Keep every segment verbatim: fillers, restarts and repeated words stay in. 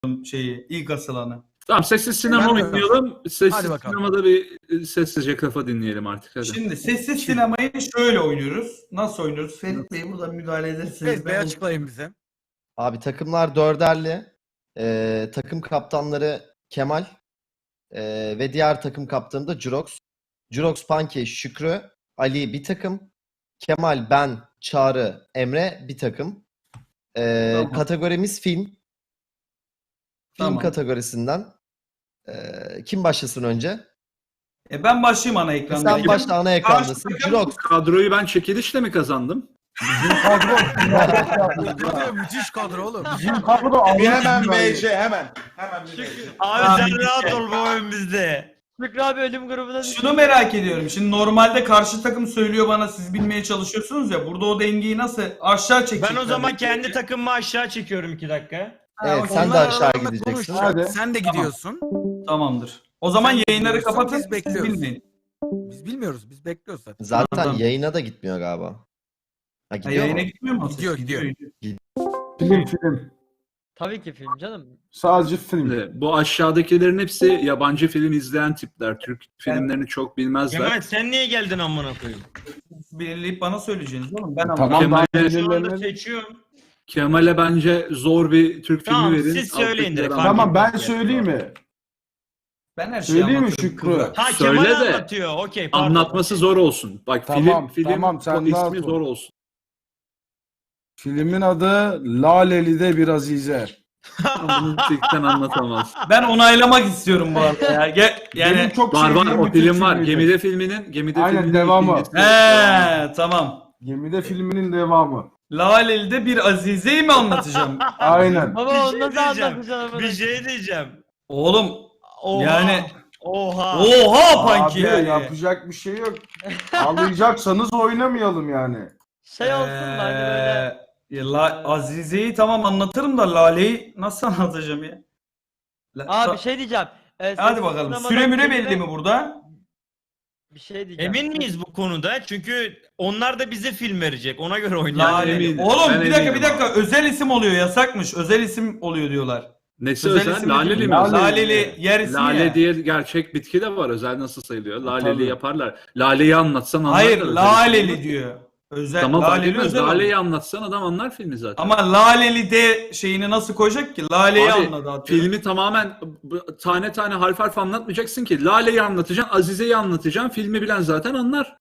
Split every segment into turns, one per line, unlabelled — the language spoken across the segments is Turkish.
şeyi, ilk asılanı.
Tamam, sessiz sinema
Ben-
oynayalım. Sessiz
Hadi bakalım.
sinemada bir sessizce kafa dinleyelim artık. Hadi.
Şimdi sessiz sinemayı şöyle oynuyoruz. Nasıl oynuyoruz? Ferit Bey buradan müdahale ederseniz.
Evet, Bey
ben-
açıklayın bize.
Abi takımlar dörderli. Ee, takım kaptanları Kemal ee, ve diğer takım kaptanı da Jurox. Jurox, Pankey, Şükrü, Ali bir takım. Kemal, ben, Çağrı, Emre bir takım. Ee,
Tamam.
Kategorimiz film. Film
Tamam.
kategorisinden. Ee, kim başlasın önce?
E ben başlayayım ana ekranda.
Sen başla, ana ekrandasın.
Karşı-
Jurox.
Kadroyu ben çekilişle mi kazandım?
Kadro müthiş kadro oğlum.
Bizim kadro
Bir
almış
hemen
gibi.
M C hemen. Hemen bir M C.
Abi
Abi,
sen rahat ol bu oyun bizde.
Şükrü abi ölüm grubuna düştü.
Şunu merak ediyorum. Şimdi normalde karşı takım söylüyor bana, siz bilmeye çalışıyorsunuz ya. Burada o dengeyi nasıl aşağı çekecekler?
Ben o zaman kendi takımımı aşağı çekiyorum iki dakika.
Evet,
okey.
sen de
Onlar
aşağı
aralarında
gideceksin.
konuşacak.
Hadi.
Sen de gidiyorsun.
Tamamdır. O zaman
Sen
yayınları
biliyorsun,
kapatın.
biz
Siz
bekliyoruz.
bilmeyin.
Biz bilmiyoruz. Biz bekliyoruz zaten.
Zaten
Tamam.
yayına da gitmiyor galiba. Ha,
Ha,
gidiyor
yayına
mu?
gitmiyor mu?
Gidiyor, gidiyor.
Film film.
Tabii ki film canım.
Sadece film.
Şimdi bu aşağıdakilerin hepsi yabancı film izleyen tipler. Türk filmlerini çok bilmezler.
Kemal sen niye geldin amına koyayım?
Belirleyip bana söyleyeceğiniz oğlum. Ben
Tamam,
anlamadım.
daha
Kemal'e-
Şu anda
belirlenmedi.
seçiyorum.
Kemal'e bence zor bir Türk filmi
Tamam,
verin.
siz söyleyin direkt,
Alttakiler
fark
Tamam, ben
etmez.
söyleyeyim mi?
Ben her şeyi
Söyleyeyim mi
anlatırım
Şükrü?
kızlar.
Ha
Söyle
Kemal
de,
anlatıyor. Okey pardon.
Anlatması zor olsun. Bak
Tamam,
film film
tamam, sen
çok
rahat
ismi
ol.
zor olsun.
Filmin adı Laleli'de bir Azize.
Bunu cidden anlatamaz.
Ben onaylamak istiyorum bu arada ya. Ge-
Benim
yani
çok
Var var
sevdiğim
o
bir Türk
film var.
filmiydi.
Gemide filminin Gemide
Aynen,
filminin
devamı.
ikincisi.
he tamam.
Gemide filminin devamı.
Laleli'de bir Azize'yi mi anlatacağım?
Aynen.
Baba
Bir
onu
şey
nasıl
diyeceğim.
anlatacaksın?
Bir şey diyeceğim.
Oğlum
Oha.
yani
Oha.
oha Panki
Abi
yani.
yapacak bir şey yok. Ağlayacaksanız oynamayalım yani.
Şey olsun da hani böyle.
Ee, ya La- Azize'yi tamam anlatırım da Lale'yi nasıl anlatacağım ya? La-
Abi
Ta-
bir şey diyeceğim. Ee,
Hadi
sessiz
bakalım.
sinemadan
Süre müre
filme-
belli mi burada?
Bir şey diyeceğim.
Emin miyiz bu konuda? Çünkü onlar da bize film verecek. Ona göre oynayalım.
Laleli.
eminim.
Oğlum
Ben
bir dakika
eminim
bir dakika. Özel isim oluyor, yasakmış. Özel isim oluyor diyorlar.
Nesi
Özel
özel?
isim
Laleli
değil.
mi?
Lale-
Laleli yer ismi
Lale
ya.
diye gerçek bitki de var. Özel nasıl sayılıyor? Laleli
Tabii.
yaparlar. Lale'yi anlatsan anlar.
Hayır,
da özel
Laleli
isim.
diyor. Özel
Tamam fark
Laleli
etmez.
özel.
Lale'yi
oluyor.
anlatsan adam anlar filmi zaten.
Ama Laleli de şeyini nasıl koyacak ki? Lale'yi
Abi,
anladı atıyorum.
filmi tamamen b- tane tane harf harf anlatmayacaksın ki. Lale'yi anlatacaksın, Azize'yi anlatacaksın. Filmi bilen zaten anlar.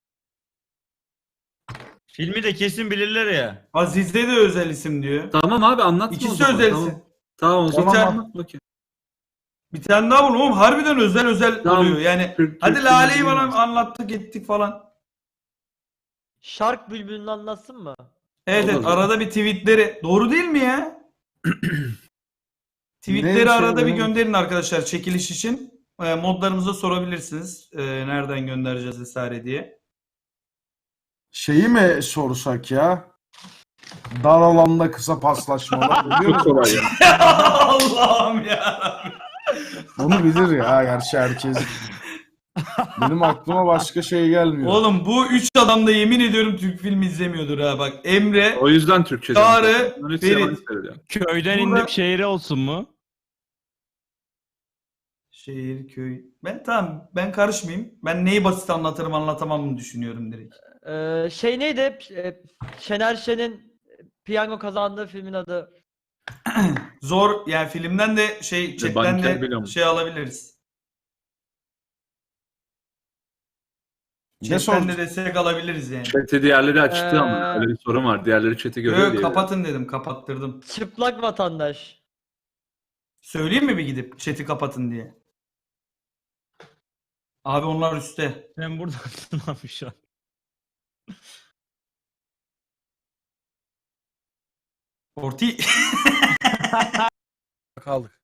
Filmi de kesin bilirler ya.
Azize de özel isim diyor.
Tamam abi anlatma o
İkisi
zaman.
özel
Tamam.
isim.
Tamam o zaman
Yeter.
anlat bakayım.
Bir tane daha bunu oğlum harbiden özel özel
Tamam.
oluyor. Yani
Türk-
hadi
Türk
Lale'yi
filmi
bana
bilmez.
anlattık ettik falan.
Şark bülbülünü anlatsın mı?
Evet evet
Olur.
arada bir tweetleri. Doğru değil mi ya? Tweetleri
Ne
arada
şey
bir
benim-
gönderin arkadaşlar çekiliş için. E, modlarımıza sorabilirsiniz. E, nereden göndereceğiz vesaire diye.
Şeyi mi sorsak ya? Dar alanda kısa paslaşmalar biliyor
Çok
musun?
kolay ya.
Allah'ım ya.
Onu bilir ya gerçi herkes. Benim aklıma başka şey gelmiyor.
Oğlum bu üç adam da yemin ediyorum Türk filmi izlemiyordur ha bak. Emre,
O yüzden Türkçe.
Çağrı,
dedim. Onun hepsi
Ferit.
yabancı söylüyor.
Köyden
Burada-
indim şehire olsun mu?
şehir, köy. Ben tamam ben karışmayayım. Ben neyi basit anlatırım anlatamam düşünüyorum direkt.
Ee, şey neydi? Ee, Şener Şen'in piyango kazandığı filmin adı.
Zor yani filmden de şey chatten
banker biliyor
de
musun?
şey alabiliriz.
Ne
Chatten
sordun?
de destek alabiliriz yani.
Chat'i diğerleri açtı
Ee,
ama öyle bir sorun var. Diğerleri chat'i görüyor
Yok
diye.
kapatın dedim kapattırdım.
Çıplak vatandaş.
Söyleyeyim mi bir gidip chat'i kapatın diye. Abi onlar üstte.
Sen buradasın abi şu an.
Orti.
Kaldık.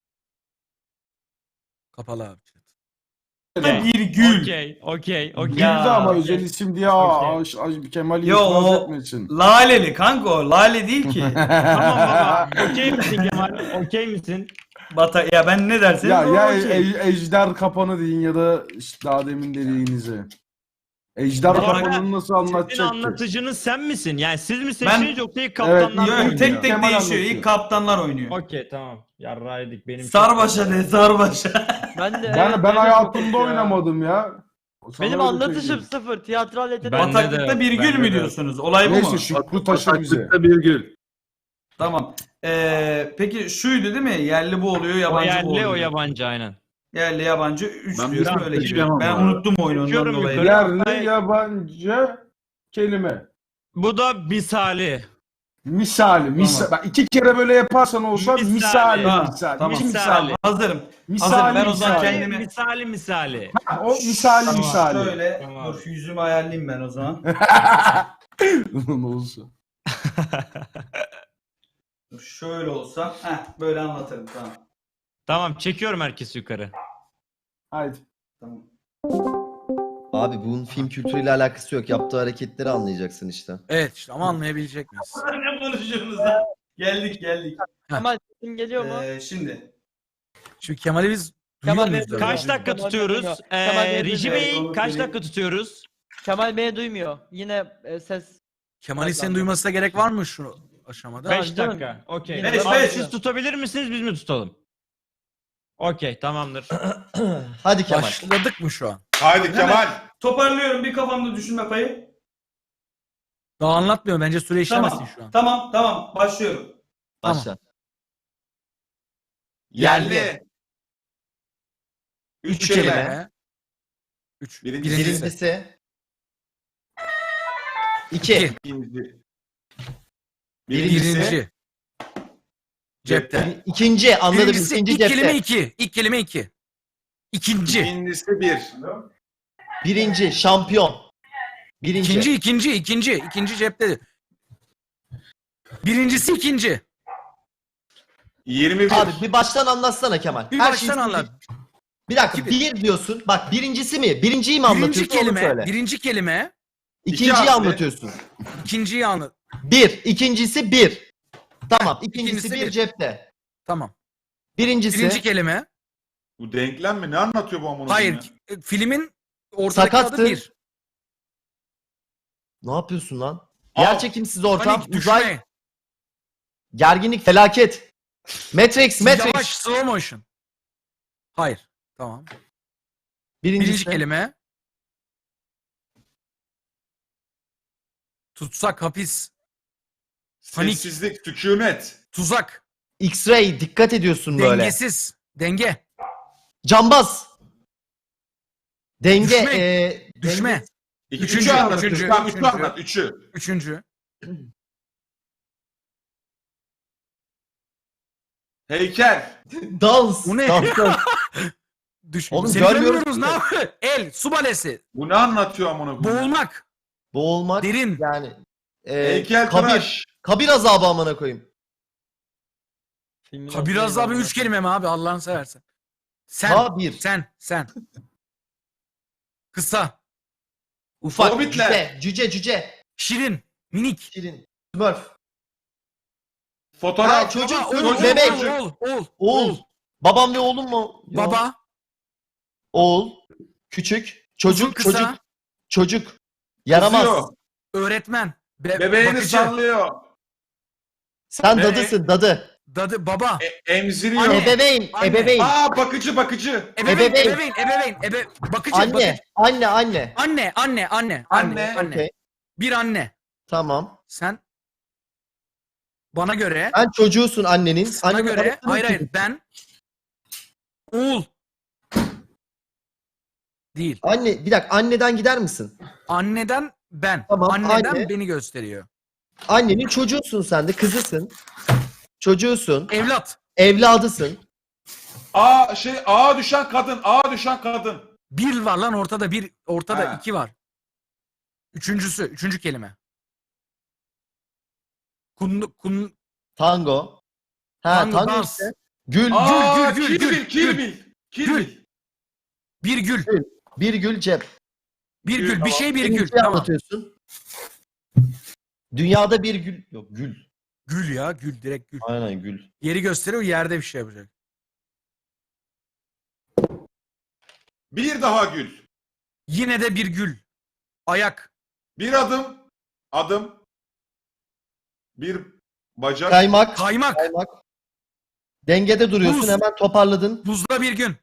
Kapalı abi.
bir gül.
Okey, okey, okey.
Girdi
Ya,
ama
okey.
özel isim diye aa, aş- aş- Kemal'i
Yo,
itiraz
o-
etmek için.
Laleli kanka o. Lale değil ki.
Tamam baba. Okey misin Kemal? Okey misin?
Bata ya ben ne derseniz
Ya
o
ya
okey.
e- ejder kapanı deyin ya da işte daha demin dediğinizi. Ejder
Bu arada
kafanını nasıl
Sizin
anlatacak ki?
anlatıcınız sen misin? Yani siz mi seçtiniz yoksa ilk
Evet,
kaptanlar mı
Yok,
oynuyor?
tek tek
Kemal
değişiyor.
anlatıyor.
İlk kaptanlar oynuyor.
Okey tamam. Yarraydık benim.
Sarbaşa ne sarbaşa.
Ben de
Ben,
evet,
ben
benim de çok
hayatımda
ya.
oynamadım ya. Sana
Benim
öyle
anlatışım
söyleyeyim.
sıfır. Tiyatral yetenek.
Ben de
Bataklıkta
de,
bir gül
bende
mü
de.
diyorsunuz? Olay bu
Neyse
mu?
Şükrü taşı bize.
Bataklıkta bir gül.
Tamam. Ee, peki şuydu değil mi? Yerli bu oluyor,
O
yabancı bu
yerli
oluyor.
o yabancı aynen.
Yerli yabancı üç
Ben
diyorum
bir
öyle gidiyor.
seçemem
Ben
abi.
unuttum oyunu ondan
Çekiyorum
dolayı.
yukarı.
Yerli yabancı kelime.
Bu da misali.
Misali. Misal. Bak iki kere böyle yaparsan olsa
Misali.
misali.
Tamam,
Misali.
tamam.
İki
Misali.
misali.
Hazırım.
Misali.
Hazırım. Ben o zaman
misali.
kendimi-
Misali misali.
Ha, O misali
Tamam,
misali.
Şöyle
Tamam.
dur yüzümü ayarlayayım ben o zaman.
Ne olsun.
Dur, şöyle olsa. Heh, böyle anlatırım tamam.
Tamam çekiyorum herkesi yukarı.
Haydi.
Tamam.
Abi bunun film kültürüyle alakası yok. Yaptığı hareketleri anlayacaksın işte.
Evet işte ama anlayabilecek miyiz?
Ne konuşuyorsunuz lan? Geldik geldik.
Kemal sesin geliyor mu?
Ee, şimdi.
Şimdi Kemal'i biz
Kemal
duyuyor
Bey,
muyuz? öyle?
Kaç dakika
Kemal
tutuyoruz?
Bey, Kemal Bey,
Ee, Reji
evet,
Bey
onu
kaç
söyleyeyim.
dakika tutuyoruz?
Kemal beni duymuyor. Yine e, ses.
Kemal'in seni duymasına gerek var mı şu aşamada?
Tamam,
beş
canım.
dakika. Okey.
Beş,
Tamam,
beş.
Siz tutabilir misiniz biz mi tutalım? Okey tamamdır.
Hadi Kemal.
Başladık mı şu an?
Haydi Kemal.
Toparlıyorum bir kafamda düşünme payı.
Daha anlatmıyor bence süre işlemesin
Tamam.
şu an.
Tamam tamam başlıyorum.
Tamam.
Başla.
Yerli. Üç,
Üç
kelime.
kelime. Üç.
Birincisi.
Birincisi.
Birincisi. İki.
İki.
İkinci.
Birincisi.
Birinci. Cepte.
İkinci. Anladım.
Birincisi
İkinci
ilk
cepte.
kelime iki. İlk kelime iki. İkinci.
İkincisi bir.
Birinci. Şampiyon. Birinci.
İkinci, ikinci, ikinci. İkinci cepte. Birincisi ikinci.
Yirmi bir.
Abi bir baştan anlatsana Kemal.
Bir
Her
baştan
şeyi-
anlat.
Bir dakika.
İki-
Bir diyorsun. Bak birincisi mi? Birinciyi mi
Birinci
anlatıyorsun onu
kelime,
söyle.
birinci kelime,
İkinciyi
harfli.
anlatıyorsun.
ikinciyi anlat.
Bir. İkincisi bir. Tamam. İkincisi,
İkincisi
bir
bir.
cepte.
Tamam.
Birincisi.
Birinci kelime.
Bu denklem mi? Ne anlatıyor bu amına
Hayır.
koyayım
e, Filmin ortadaki
Sakattı.
adı bir.
Ne yapıyorsun lan?
Al.
Yer çekimsiz ortam.
Panik,
Uzay.
düşme.
Gerginlik. Felaket. Matrix. Matrix.
Yavaş, slow motion. Hayır. Tamam.
Birincisi.
Birinci kelime. Tutsak, hapis,
ya?
Panik.
Sessizlik, sükunet.
tuzak,
X-ray. Dikkat ediyorsun böyle.
dengesiz, denge,
Cambaz. Denge.
Düşme.
eee,
düşme.
denge-
İki,
Üçüncü,
üçü anlat.
üçüncü,
Üçü, tamam, üçü
üçüncü.
anlat. Üçü.
Üçüncü.
Heykel.
Dans.
Bu ne?
Dans.
Düş.
Oğlum
Seni
görmüyoruz
görmüyoruz,
ki.
ne yapıyor? El, su balesi,
Bu ne anlatıyor amına koyayım?
boğulmak,
Boğulmak.
derin,
Yani. eee,
Heykel
kabir.
tıraş.
Kabir azabı amına koyayım.
Filmin
kabir
adı
azabı
neydi
üç kelime mi abi Allah'ını seversen. Sen,
Kabir.
sen, sen. Kısa,
Ufak.
Hobbitler.
Cüce. Cüce. Cüce.
şirin, minik.
Şirin. Smurf.
Fotoğraf.
Ha, çocuk.
Baba,
çocuk,
oğul,
bebek.
oğul, oğul, oğul,
Oğul. Babam ve oğlum mu? Yok.
baba,
Oğul. Küçük. Çocuk.
uzun, kısa,
Çocuk. Çocuk. Yaramaz.
Kızıyor.
öğretmen, be-
Bebeğini
bakıcı,
sallıyor.
Sen
Bebek.
dadısın dadı.
dadı, baba,
E, emziriyor.
Anne.
Ebeveyn.
Anne.
Ebeveyn.
Aa bakıcı bakıcı.
ebeveyn,
ebeveyn.
ebeveyn, ebeveyn, ebe, bakıcı,
Anne.
bakıcı.
Anne. Anne.
Anne, anne, anne,
Anne,
anne, anne.
Okey.
Bir anne.
Tamam.
Sen bana göre,
Sen çocuğusun annenin.
sana
Annenin
göre,
arasında
hayır hayır
çocuk.
ben oğul değil.
Anne bir dakika anneden gider misin?
Anneden ben.
Tamam,
Anneden
anne.
beni gösteriyor.
Annenin çocuğusun sen de kızısın. Çocuğusun.
Evlat.
Evladısın.
Aa şey ağa düşen kadın. Ağa düşen kadın.
Bir var lan ortada bir, ortada
Ha.
iki var. Üçüncüsü, üçüncü kelime. Kun, kun,
Tango. Ha
Tango,
tango,
dans.
işte. Gül.
Aa
gül, gül,
Kill
gül,
Bill, Kill
gül.
Bill. Kill
Gül.
Bill.
bir gül.
Bir gül cep.
Bir
Gül,
gül. Bir
tamam.
şey bir
Birinciyi
gül. Tamam.
anlatıyorsun. Dünyada bir gül. Yok gül.
Gül ya gül direkt gül.
Aynen gül.
Yeri gösteriyor yerde bir şey yapacak.
Bir daha gül.
Yine de bir gül. Ayak.
Bir adım. Adım. Bir bacak.
Kaymak.
Kaymak.
Kaymak. Dengede duruyorsun,
Buz.
hemen toparladın.
Buzda bir gün.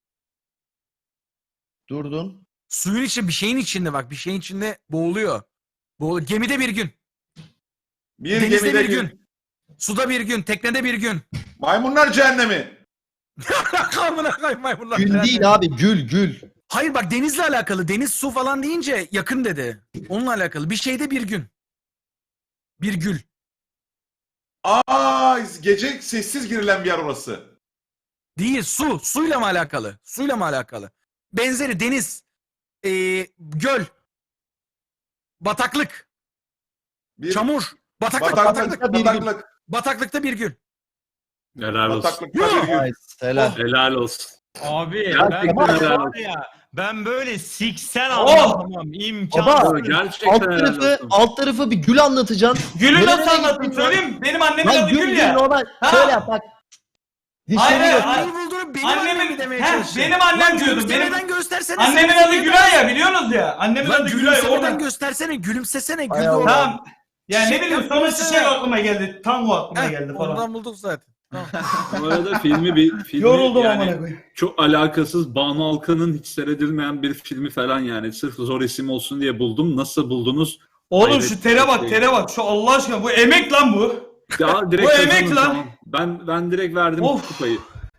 Durdun.
Suyun içinde, bir şeyin içinde bak. Bir şeyin içinde boğuluyor. Boğuluyor. Gemide bir gün.
Bir
Denizde
gemide
bir
gün.
gün. Suda bir gün. Teknede bir gün.
Maymunlar cehennemi.
Amına koyayım maymunlar.
Gül değil abi, gül gül.
Hayır bak denizle alakalı. Deniz, su falan deyince yakın dedi. Onunla alakalı. Bir şeyde bir gün. Bir gül.
Aa, gece sessiz girilen bir yer orası.
Değil, su. Suyla mı alakalı? Suyla mı alakalı? Benzeri deniz. Ee, göl. Bataklık.
Bir
Çamur. Bataklık.
bataklık.
Bataklık.
bir gün.
Bataklık.
Bataklıkta bir gün.
Helal olsun.
Bataklıkta bir gün.
Ay, helal.
Helal olsun.
Abi
Gerçekten
ben,
helal
var
olsun.
ya, ben böyle siksen
Oh!
anlatamam. İmkansız.
Baba,
Gerçekten
Alt
helal
tarafı,
olsun.
alt tarafı bir gül anlatacaksın.
Gül'ü
Nereye
nasıl anlatayım
gittin
söyleyeyim mi? Benim annemin
Lan
adı
gül
Gül
gül
ya.
normal.
Ha.
Şöyle yap bak.
Hayır,
Dişleri
hayır,
yok.
hayır.
Neyi bulduğunu benim annemin
Annemin,
demeye
heh,
çalıştım.
benim annem
Lan
diyordum. Benim,
gülümsemeden göstersene.
annemin
sen-
adı Gülay ya, biliyorsunuz ya. Annemin
Lan
adı Gülay.
gülümsemeden
Ona.
göstersene. Gülümsesene. Gül
Hay
de
Allah.
orada.
Tamam. Yani ne
Şey
bileyim sonra
yapmasana.
şey aklıma geldi. Tango aklıma
Heh,
geldi falan.
Ondan bulduk zaten. Tamam.
Bu arada filmi bir filmi
Yoruldum
yani
amına koyayım.
çok alakasız Banu Alkan'ın hiç seyredilmeyen bir filmi falan yani sırf zor isim olsun diye buldum. Nasıl buldunuz?
Oğlum
Hayret
şu tere bak,
bir şey.
tere bak. Şu Allah aşkına bu emek lan bu.
Ya direkt
Bu emek
kazanın,
lan.
tamam. Ben ben direkt verdim
Of.
kupayı.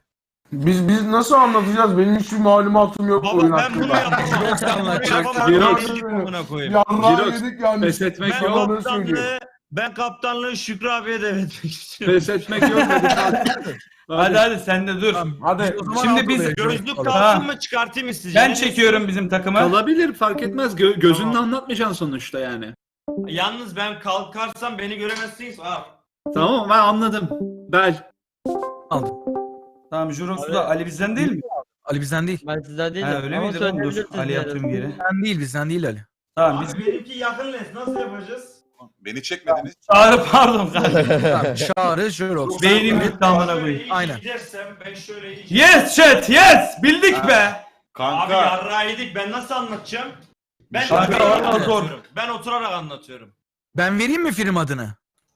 Biz biz nasıl anlatacağız? Benim hiçbir malumatım yok bu oyun
Baba ben bunu
hakkında.
yapacağım.
anlatacak.
Jirox.
Amına koyayım.
Yarrağı
Jirox,
yedik yani.
Pes etmek
Ben
yok.
Yalan söylüyor.
kaptanlığı, ben kaptanlığı Şükrü abiye devretmek istiyorum.
Pes etmek yok. Hadi kalk.
Hadi hadi sen de dur.
Hadi.
O zaman
Şimdi
altı
biz-
verelim.
Gözlük
Ha.
kalsın mı çıkartayım mı sizce?
Ben
Ne
çekiyorum bizim takımı.
Kalabilir fark etmez. Gö- gözünle anlatmayacaksın sonuçta yani.
diyorsun? Yalnız ben kalkarsam beni göremezsiniz. Ha.
Tamam ben anladım. Bel.
Aldım.
Tamam Jurox'u da Ali bizden değil mi?
Ali bizden değil.
Ben sizden değilim.
Ha, öyle
Ama
miydi lan? Dur
söyleyebilirsiniz
Ali
yine de.
atıyorum geri.
Bizden değil, bizden değil Ali.
Tamam biz...
Abi benimki yakın les. Nasıl yapacağız?
Beni çekmediniz.
Çağrı pardon kanka.
Tamam, Çağrı, Jirox.
Beynim gitti amına koyayım.
Şöyle
Aynen.
gidersem ben şöyle yiyeceğim.
Yes chat yes! Bildik be!
Abi
Kanka.
yarrağı yedik. Ben nasıl anlatacağım? Ben,
Kanka,
ben,
vallahi zor.
anlatıyorum. Ben oturarak anlatıyorum.
Ben vereyim mi film adını?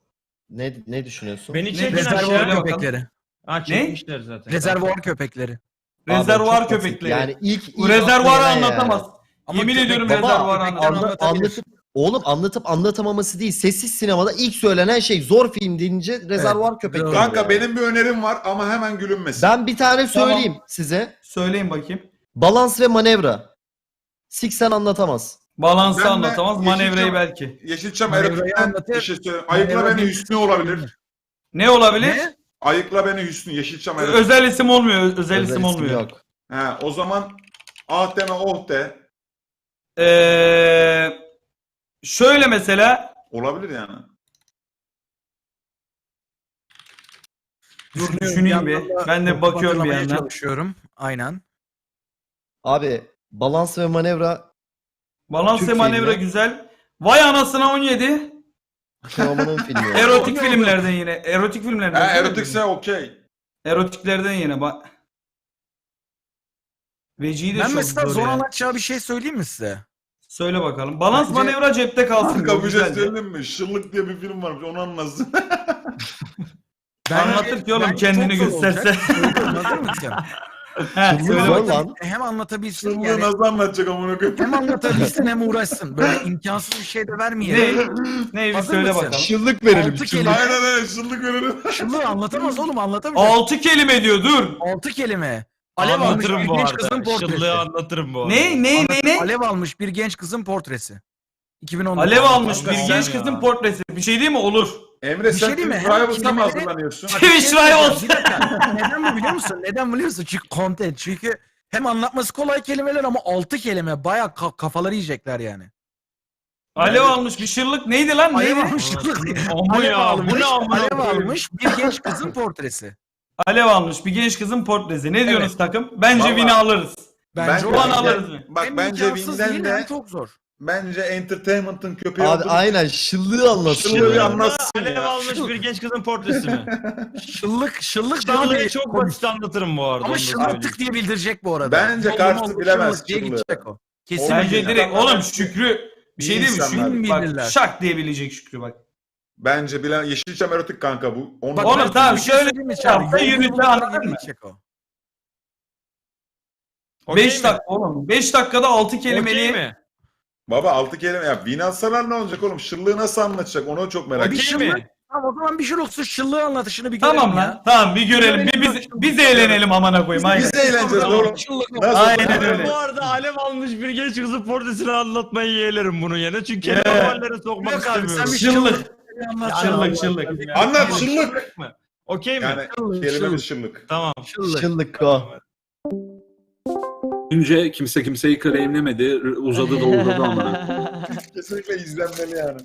Ne ne düşünüyorsun?
Beni
Ne-
çekin
Rezervuar
aşağı.
Söyle bakalım.
köpekleri.
Ha çekmişler zaten.
Rezervuar köpekleri.
Abi,
Rezervuar
çok basit.
köpekleri.
Yani ilk,
Bu
ilk
rezervuarı
akla gelen
anlatamaz.
yani.
Ama
Yemin
köpek-
ediyorum
Baba,
rezervuarı
köpekler
anlatamaz.
Anla-
anlatabilir.
anlatıp oğlum anlatıp anlatamaması değil. Sessiz sinemada ilk söylenen şey zor film deyince rezervuar köpekleri.
doğru.
Kanka
yani.
benim bir önerim var ama hemen gülünmesin.
Ben bir tane
Tamam.
söyleyeyim size.
Söyleyin bakayım.
Balans ve manevra. Siksen anlatamaz.
Balansı
Ben de
anlatamaz,
Yeşilçam-
manevrayı belki.
Yeşilçam
Manevrayı
erotikten
anlatır.
bir şey söyleyeyim. Ayıkla
Manevra
beni
bir-
Hüsnü olabilir.
Ne olabilir?
Ne?
Ayıkla beni Hüsnü. Yeşilçam erotik.
Özel isim olmuyor, özel,
Özel
isim
isim
olmuyor.
yok.
He, o zaman ah deme oh de.
Ee, şöyle mesela,
Olabilir yani.
dur düşüneyim bir.
yandan da
Ben de bakıyorum bir
hatırlamaya
yandan.
çalışıyorum. Aynen.
Abi balans ve manevra
Balans
Türk
ve manevra
filmi.
güzel. Vay anasına on yedi.
Teoman'ın filmi.
Erotik filmlerden yine. Erotik filmlerden.
He,
değil mi?
erotikse okey.
Erotiklerden yine. Bak. Vecihi de
Ben
çok
mesela
zor
zor
ya.
anlatacağı bir şey söyleyeyim mi size?
Söyle bakalım. Balans
Bence-
manevra cepte kalsın.
Kanka
Bu
bir şey
güzeldi.
söyleyeyim mi? Şırlık diye bir film varmış onu anlasın.
Anlatır ki oğlum
Bence
kendini
çok zor
gösterse.
olacak. Söylüyorum, hazır mısın?
He,
Şırlık
söyle
zor
bakayım.
lan.
Hem anlatabilsin
Şırlığı
yani.
nasıl anlatacak amına koyayım?
Hem anlatabilsin hem uğraşsın. Böyle imkansız bir şey de vermeyelim.
Ne? Ne bir
Hazır
söyle
mısın?
bakalım.
Şıllık
Altı kelime.
Aynen aynen şırlık verelim.
Şunu anlatamaz oğlum anlatamayacak.
Altı kelime diyor dur.
Altı kelime. Alev almış
Anlatırım
bir
bu
genç kızın
arada.
portresi.
Şıllığı anlatırım bu arada.
Ne ne ne ne?
Alev almış bir genç kızın portresi. iki bin on dokuz.
Alev almış bir
Tamam
genç
ya.
kızın portresi. Bir şey değil mi? Olur.
Emre
Bir
sen
şey diyeyim mi?
Twitch
Hem
Rivals'a mı
kelimeleri-
hazırlanıyorsun?
Bak, bir şey
Twitch Rivals.
söyleyeceğim, bir dakika. Neden biliyor musun? Neden biliyor musun? Çünkü content. Çünkü hem anlatması kolay kelimeler ama altı kelime bayağı ka- kafaları yiyecekler yani.
Alev almış bir şırlık. Neydi lan?
Alev
Neydi?
almış.
Ama
Alev
ya,
almış.
bu ne amına
Alev
koyayım?
almış bir genç kızın portresi.
Alev almış bir genç kızın portresi. Ne diyorsunuz takım? Bence
Vallahi-
win'i alırız.
Bence
Bence-
o
Ulan
da-
alırız mı?
Bak
hem
bence
imkansız
Win'den
değil
de
hem çok zor.
bence Entertainment'ın köpeği
Abi
olduğunu-
aynen şıllığı
Şıllığı
anlatıyor.
bir
ya.
anlatsın
Alev
ya.
almış bir genç kızın portresi mi?
Şıllık, şıllık daha
Şıllığı
bir
çok basit anlatırım bu arada.
Ama
onu da
şıllık
söyleyeyim.
tık diye bildirecek bu arada.
Bence
Yolun
karşı
oldu,
bilemez
şıllık diye
şıllığı.
gidecek o. Kesin
Bence
bilir.
direkt oğlum Şükrü Bir şey değil mi?
İnsanlar.
Şükrü
Bilirler.
bak şak diyebilecek Şükrü bak.
Bence bilen Yeşilçam erotik kanka bu. Onu
Bak,
Oğlum
ben
tamam,
bir şey
şöyle
söyleyeyim mi Çağrı?
yapsa
Yayını
yürütü,
bulmadan
anladın mı?
gidecek o.
Okey
beş
mi?
dakika oğlum. beş dakikada altı
Okey
kelimeli.
mi?
Baba altı kelime ya. Vinalsalar ne olacak oğlum? Şırlığı nasıl anlatacak? Onu çok merak
Bir
Okey
ediyorum.
şırlık-
mi?
Tamam o zaman bir Jirox'un şıllığı anlatışını bir görelim
Tamam
ya.
lan. Tamam bir görelim. Bir biz, biz eğlenelim amına koyayım. Aynen.
Biz eğleneceğiz oğlum.
Şıllık
Nasıl?
Aynen öyle.
Bu arada alev almış bir genç kızın portresini anlatmayı yeğlerim bunu yerine. Çünkü
Yeah.
kelime hallere sokmak
Yok abi,
istemiyorum.
sen bir
Şıllık.
anlat.
Şıllık şıllık.
Anlat şırlık.
Şıllık mı? Okey mi?
Yani
Şırlık,
kelimemiz şırlık.
Tamam.
Şıllık.
Şıllık o.
Önce kimse kimseyi claimlemedi. Uzadı da uzadı ama.
Kesinlikle izlenmeli yani.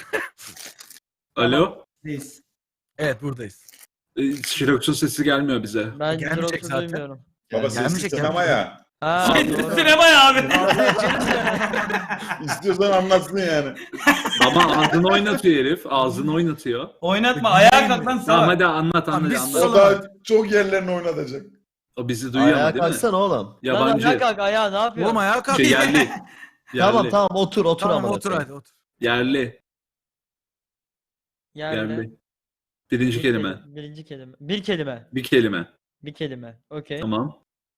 Alo?
Reis.
Evet buradayız.
Ee, Jirox'un sesi gelmiyor bize.
Ben
Gelmeyecek
Jirox'u
zaten.
duymuyorum.
Baba
gelmeyecek,
sessiz sinema
gelmeyecek.
ya.
Ha, doğru.
Sinema ya abi.
İstiyorsan anlatsın yani.
Ama ağzını oynatıyor herif. Ağzını oynatıyor.
Oynatma. Ayağa kalk lan
Tamam
salak.
hadi anlat
Tamam,
anlat
biz
anlat.
O da çok yerlerini oynatacak.
O bizi duyuyor ama
Ayağa
değil mi?
kalksana oğlum.
Lan
Yabancı.
ayağa kalk ayağa ne yapıyorsun?
Oğlum ayağa kalk.
Şey, yerli. yerli.
Tamam tamam otur otur
Tamam
ama.
otur hadi otur.
Yerli.
Yerli.
Yerli. Birinci
Bir
kelime.
kelime- Birinci kelime. Bir kelime.
Bir kelime.
Bir kelime. Okey.
Tamam.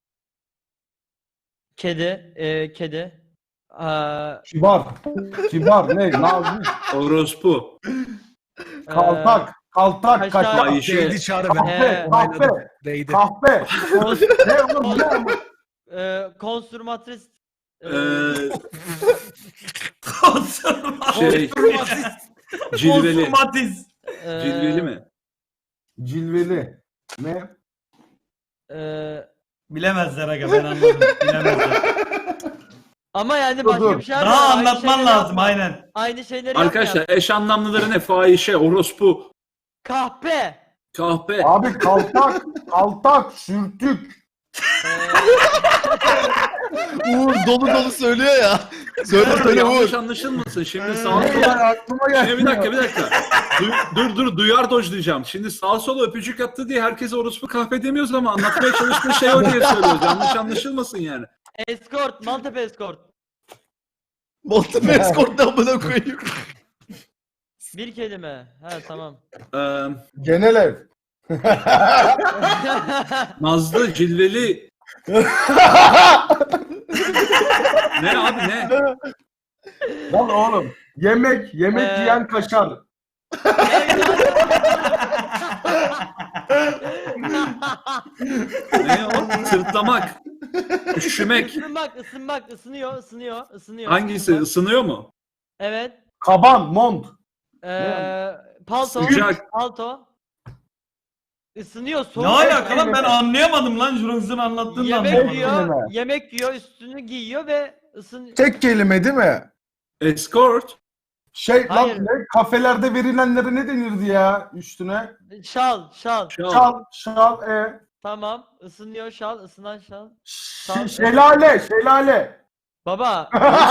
Kedi. E, kedi. Aa,
Kibar. Kibar ne? Nazik.
Orospu.
e,
Kaltak. Kaltak.
Kaşar.
Kaşar.
Ayşe.
Değdi Çağrı ben.
Ee,
Kahpe. Kahpe.
Değdi.
Kahpe. Ne oğlum ne?
e, konstrümatris. E,
Ee,
Konservatiz.
şey. Cilveli.
Konservatiz.
e,
Cilveli mi?
Cilveli. Ne?
e,
Bilemezler aga ben anladım. Bilemezler.
ama yani
Dur,
başka
dur.
bir şey var.
Daha
Aynı
anlatman
şeyleri
lazım
yapma.
aynen.
Aynı şeyleri
Arkadaşlar
yapma.
eş anlamlıları ne? Fahişe, orospu,
Kahpe.
kahpe.
Abi kaltak. Kaltak. Sürtük.
E,
Uğur dolu dolu söylüyor ya. Söyle söyle
Yanlış
Uğur.
anlaşılmasın. Şimdi sağ
Ulan
sola...
aklıma geldi.
Şimdi bir dakika bir dakika. Du- dur dur duyar dojlayacağım. Şimdi sağ sola öpücük attı diye herkese orospu kahpe demiyoruz ama anlatmaya çalıştığı şey o diye söylüyoruz. Yanlış anlaşılmasın yani.
Escort. Maltepe escort.
Montepe Escort'tan buna koyayım.
Bir kelime. Ha tamam.
Ee,
Genel ev.
Nazlı, cilveli. Ne abi ne?
Lan oğlum. Yemek. Yemek
Ee,
yiyen kaşar.
Ne o? Sırtlamak. Üşümek.
Isınmak, ısınmak, ısınıyor, ısınıyor, ısınıyor.
Hangisi?
Isınmak.
Isınıyor mu?
Evet.
Kaban. Mont.
Ee, palto.
Sıcak.
Palto. Isınıyor,
Ne
soğuk.
alaka lan ben anlayamadım lan Jurox'un anlattığını
Yemek
anlayamadım.
yiyor,
kelime.
yemek yiyor, üstünü giyiyor ve ısın...
Tek kelime değil mi?
Escort.
Şey
Hayır.
lan ne? Kafelerde verilenlere ne denirdi ya üstüne?
Şal, şal.
Şal.
Şal. Şal. E.
Tamam. Isınıyor şal, ısınan şal.
Ş- şelale. Şelale.
Baba.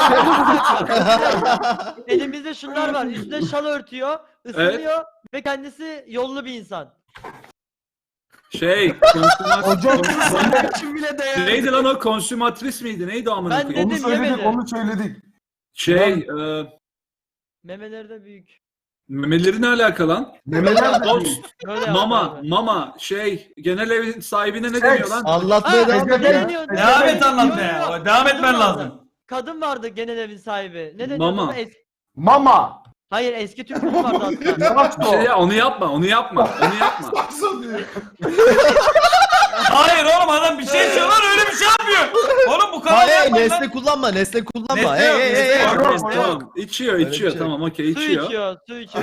Elimizde şunlar var. Üstüne şal örtüyor, ısınıyor ve kendisi yollu bir insan.
Şey. Konsümat...
Hocam
konsümat-
Kim bile değer.
Neydi lan o? Konsümatris miydi? Neydi o amına
Ben
koyayım?
onu
dedim,
söyledik.
yemedi.
Onu söyledik.
Şey. E,
Memeleri de büyük.
memeleri ne alaka lan?
Memeler de
Tost.
değil.
Böyle
Mama,
yapıyorlar.
mama, şey, genel evin sahibine ne
Seks.
deniyor lan?
Anlatmaya
Ha,
devam
ne
et ya.
deniyor? Ne
Devam
deniyor?
et anlatmaya.
Yok, yok.
Devam
Kadın
etmen
vardı.
lazım.
Kadın vardı genel evin sahibi. Ne deniyor?
Mama.
ona? Es-
Mama.
Hayır eski Türk filmi vardı hatta.
Yavaş
Bir şey
ol.
ya, onu yapma, onu yapma, onu yapma.
Hayır oğlum adam bir şey söylüyor lan öyle bir şey yapmıyor. Oğlum bu kadar
Hayır
yapmayın lan.
nesne kullanma nesne kullanma.
Nesne
Hey
yok,
hey
nesne
hey.
yok.
hey.
Tamam, tamam. İçiyor,
Öyle bir
içiyor.
şey
Tamam, okey,
Su
içiyor.
içiyor, su içiyor.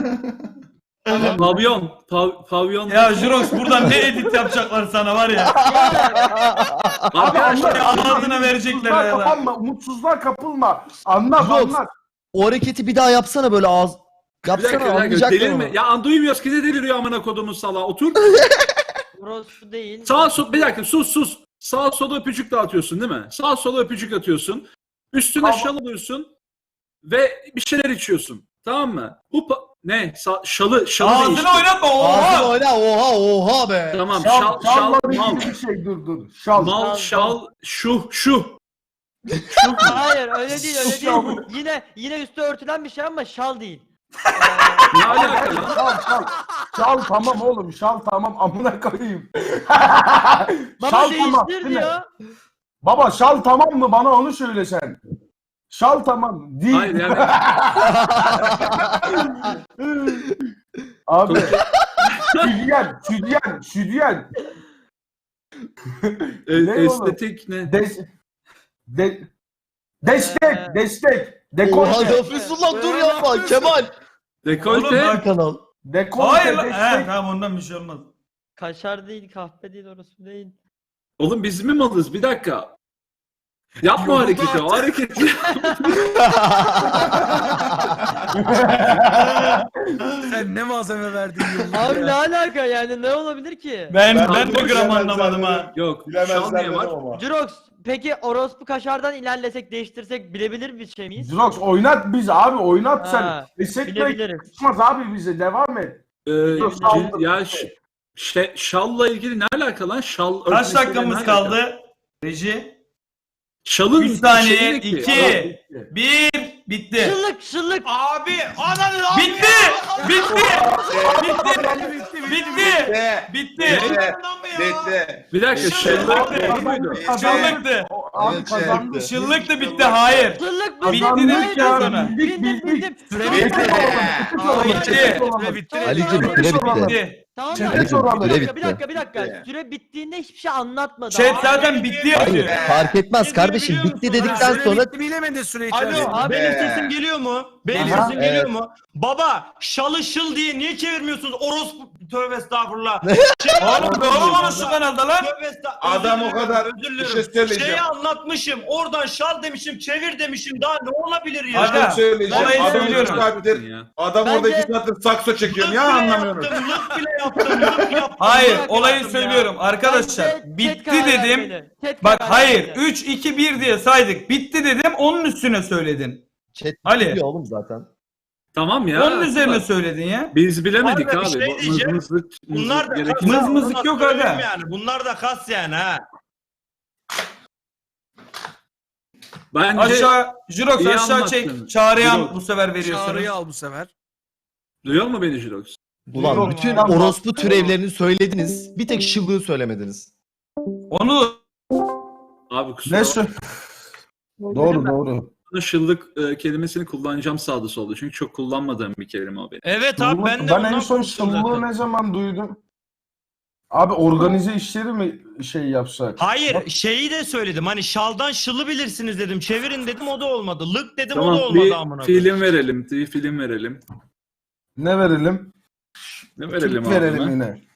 Pavyon, pav, pavyon.
Ya Jurox buradan ne edit yapacaklar sana var ya.
Arkadaşlar,
Ya ağzına verecekler
Umutsuzluğa
ya da.
kapılma. Umutsuzluğa kapılma. Anlat
Yok.
anlat.
O hareketi bir daha yapsana böyle ağız.
bir
Yapsana
dakika, bir dakika.
anlayacaklar
Delirme.
onu.
Ya duymuyoruz ki ne deliriyor amına kodumun salağı. Otur.
Orospu değil.
Sağa sol, bir dakika sus sus. Sağa sola öpücük dağıtıyorsun değil mi? Sağa sola öpücük atıyorsun. Üstüne
Tamam.
şal alıyorsun. Ve bir şeyler içiyorsun. Tamam mı? Bu pa- ne? Sa- şalı, şalı değiştir.
Ağzını oynatma
Ağzını
oha.
oyna oha oha be.
Tamam,
Şal,
şal, şal,
şalla
mal.
ilgili bir şey dur dur. Şal.
Mal,
Şal,
şal, şu, şu.
Hayır öyle değil öyle
Şu an-
değil. Yine yine üstü örtülen bir şey ama şal değil.
Ne alaka lan?
Şal şal. Şal tamam oğlum şal tamam amına koyayım.
Baba
şal tamam.
değiştir
değil mi?
diyor.
Baba şal tamam mı? Bana onu söyle sen. Şal tamam. Değil.
Hayır yani
Abi. Südyen, südyen, südyen.
e,
Ne oğlum?
estetik ne?
Des, de, destek,
Ee.
destek.
Oha
Dekolte.
Lafizullah dur yapma Kemal.
Oğlum
Dekolte.
bak-
Kanal.
Dekolte,
Hayır lan. He,
destek.
tamam ondan bir şey olmaz.
Kaşar değil, kahpe değil, orası değil.
Oğlum biz mi malız? Bir dakika. Yapma o hareketi. O hareketi.
Sen ne malzeme verdin yıllar
Abi
ya.
ne alaka yani ne olabilir ki?
Ben
Ben
ben,
bunu
bir gram
bilemezler
anlamadım
dedim.
ha.
Yok. Şal
Bilemezler
niye var?
dedim ama.
Jurox peki orospu kaşardan ilerlesek değiştirsek bilebilir bir şey miyiz?
Drox oynat biz abi oynat sen.
Ha,
Destekle
bilebiliriz.
çıkmaz abi bize devam et.
Ee,
Yok,
cil-
şal-
ya ş- şey, şalla ilgili ne alaka lan? Şal
Kaç
örtmesiyle
dakikamız
ne alaka?
kaldı? Reji.
Şalın
üç saniye,
şeyi ne ki?
iki. Bir. Bitti.
Şıllık şıllık.
Abi ananı abi.
Bitti. Bitti. Bitti. Bitti. Bitti.
Bitti.
Bir dakika şallar değil muydu?
Şıllıktı.
O- Abi
Evet,
kazandı.
evet.
Şıllık da bitti. Hayır.
Şıllık
Bitti
bitti.
dedik ya sana.
Bildim bildim.
Süre
Bitti.
bitti.
Bitti.
Süre bitti.
Ali'cim süre bitti.
Bitti.
Tamam
Süre
da
bitti.
bir dakika,
Süre
bir dakika bir dakika.
bitti.
Süre bittiğinde hiçbir şey anlatmadı.
Chat
Abi.
zaten bitti yazıyor.
Hayır fark etmez kardeşim. Bitti dedikten
Süre
sonra
bitti bilemedi süre
Alo
içerisinde.
abi benim
Be.
sesim geliyor mu? Benim
Aha,
sesim geliyor
evet.
mu? Baba şalı şıl diye niye çevirmiyorsunuz? Orospu tövbe estağfurullah.
Oğlum doğru bana şu kanalda lan.
Tövbe estağfurullah.
Adam
Özür
o
dilerim,
kadar
özür
bir
dilerim.
şey söyleyeceğim.
Şeyi anlatmışım. Oradan şal demişim, çevir demişim. Daha ne olabilir ya?
Aga,
Adam söyleyeceğim.
olayı
Adam
söylüyorum.
iki saattir,
Ya.
adam
Bence-
orada iki saattir sakso çekiyor.
Lık
Ya
bile
anlamıyorum.
yaptım, lık bile yaptım, lık yaptım.
Hayır
lık
olayı
yaptım ya.
söylüyorum arkadaşlar.
Bence chat
Bitti
karar
dedim.
vermeli. Chat
Bak
karar
hayır.
vermeli.
üç iki bir diye saydık. Bitti dedim. Onun üstüne söyledin.
chat
Ali.
biliyor oğlum zaten.
Tamam ya.
Onun üzerine söyledin ya.
Biz bilemedik
Abi, bir
abi.
şey
Bu
diyeceğim.
mızmızlık,
Bunlar
mızmızlık
da
gerekir.
Mız mızlık yok aga.
Yani. Bunlar da kas yani ha.
Bence
Aşağı Jirox
iyi
aşağı
anlattın.
çek. Çağrı'ya
Jirox.
bu sefer veriyorsunuz.
Çağrı'yı al bu sefer.
duyuyor mu beni Jirox?
Ulan
Yok,
bütün
tamam.
orospu türevlerini söylediniz. Bir tek şıllığı söylemediniz.
Onu
Abi kusura
Ne
bakma.
sö- Doğru doğru.
Şıllık e, kelimesini kullanacağım sağda solda. Çünkü çok kullanmadığım bir kelime o benim.
Evet abi ben de
ben
ondan
en son
konuştum
şıllığı
zaten.
ne zaman duydum? Abi organize işleri mi şey yapsak?
Hayır şeyi de söyledim hani şaldan şılı bilirsiniz dedim çevirin dedim o da olmadı lık dedim o da
Tamam
olmadı amına
bir
koyayım.
film verelim. Bir film verelim.
Ne verelim?
Ne verelim
Türk
abi?
verelim
ben?
yine.